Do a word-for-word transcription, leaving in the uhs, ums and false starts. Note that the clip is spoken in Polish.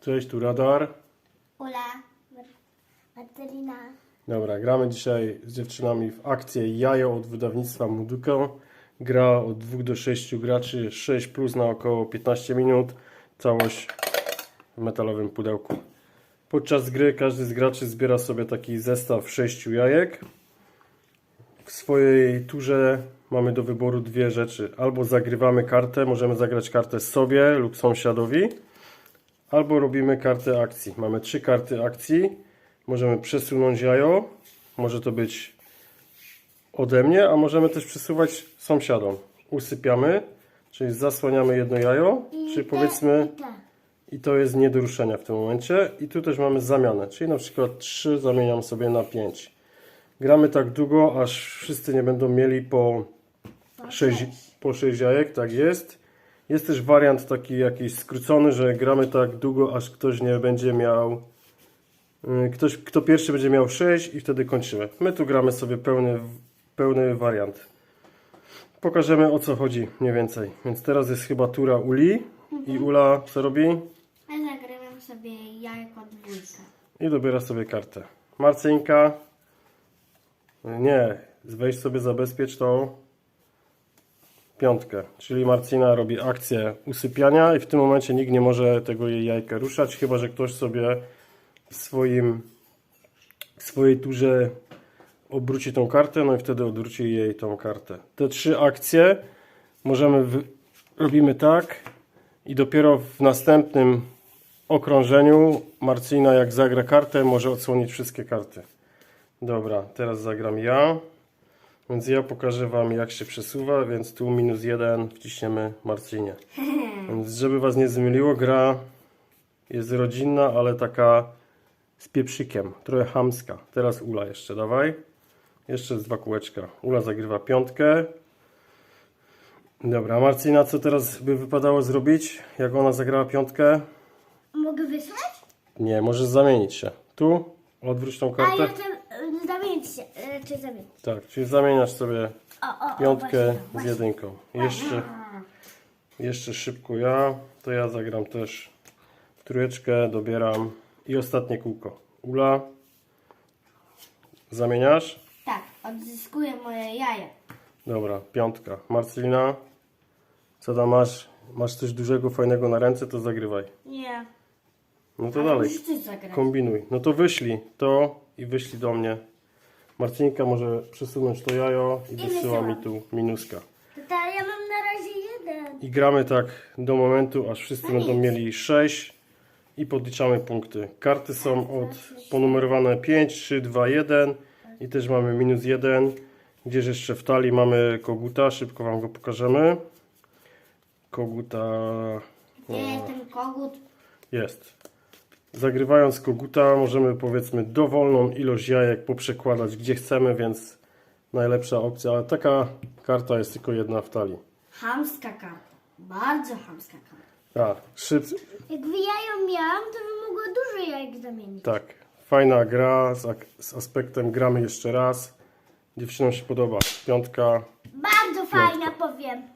Cześć, tu Radar. Ula, Marcelina. Dobra, gramy dzisiaj z dziewczynami w akcję Jajo od wydawnictwa Muduko. Gra od dwóch do sześciu graczy, sześć plus na około piętnaście minut. Całość w metalowym pudełku. Podczas gry każdy z graczy zbiera sobie taki zestaw sześciu jajek. W swojej turze mamy do wyboru dwie rzeczy. Albo zagrywamy kartę, możemy zagrać kartę sobie lub sąsiadowi. Albo robimy kartę akcji. Mamy trzy karty akcji. Możemy przesunąć jajo. Może to być ode mnie, a możemy też przesuwać sąsiadom. Usypiamy, czyli zasłaniamy jedno jajo, I czyli te, powiedzmy i te. i to jest nie do ruszenia w tym momencie. I tu też mamy zamianę, czyli na przykład trzy zamieniam sobie na pięć. Gramy tak długo, aż wszyscy nie będą mieli po sześć, po sześć jajek, tak jest. Jest też wariant taki jakiś skrócony, że gramy tak długo, aż ktoś nie będzie miał, ktoś, kto pierwszy będzie miał sześć i wtedy kończymy. My tu gramy sobie pełny, pełny wariant. Pokażemy, o co chodzi mniej więcej. Więc teraz jest chyba tura Uli i Ula co robi? Ja zagrywam sobie jajko dwójkę. I dobiera sobie kartę. Marcinka, nie, weź sobie zabezpiecz tą piątkę, czyli Marcina robi akcję usypiania i w tym momencie nikt nie może tego jej jajka ruszać, chyba że ktoś sobie w swoim w swojej turze obróci tą kartę, no i wtedy odwróci jej tą kartę. Te trzy akcje możemy w... robimy tak i dopiero w następnym okrążeniu Marcina, jak zagra kartę, może odsłonić wszystkie karty. Dobra, teraz zagram ja. Więc ja pokażę Wam, jak się przesuwa, więc tu minus jeden wciśniemy Marcinie. Więc żeby Was nie zmyliło, gra jest rodzinna, ale taka z pieprzykiem, trochę chamska. Teraz Ula jeszcze, dawaj. Jeszcze z dwa kółeczka. Ula zagrywa piątkę. Dobra, Marcina, co teraz by wypadało zrobić, jak ona zagrała piątkę? Mogę wysłać? Nie, możesz zamienić się. Tu, odwróć tą A kartę. ja chcę y, zamienić się. Y, czy zamienić? Tak, czyli zamieniasz sobie O, o, o, piątkę właśnie, z właśnie. jedynką. Jeszcze, jeszcze szybko ja, to ja zagram też trójeczkę, dobieram i ostatnie kółko. Ula, zamieniasz? Tak, odzyskuję moje jaja. Dobra, piątka. Marcelina, co tam masz? Masz coś dużego, fajnego na ręce, to zagrywaj. Nie. No to Ale dalej, musisz coś zagrać. kombinuj. No to wyślij to i wyślij do mnie. Marcinka może przesunąć to jajo i wysyła mi tu minuska. To ja mam na razie jeden. I gramy tak do momentu, aż wszyscy będą mieli sześć i podliczamy punkty. Karty są od ponumerowane pięć, trzy, dwa, jeden i też mamy minus jeden. Gdzieś jeszcze w talii mamy koguta, szybko Wam go pokażemy. Koguta Gdzie jest ten kogut? jest. Zagrywając koguta możemy powiedzmy dowolną ilość jajek poprzekładać gdzie chcemy, więc najlepsza opcja, ale taka karta jest tylko jedna w talii. Chamska karta. Bardzo chamska karta. Tak, szyb... Jakby jajo miałam, to bym mogła dużo jajek zamienić. tak, fajna gra z, ak- z aspektem gramy jeszcze raz. Dziewczynom się podoba. Piątka. Bardzo fajna, powiem.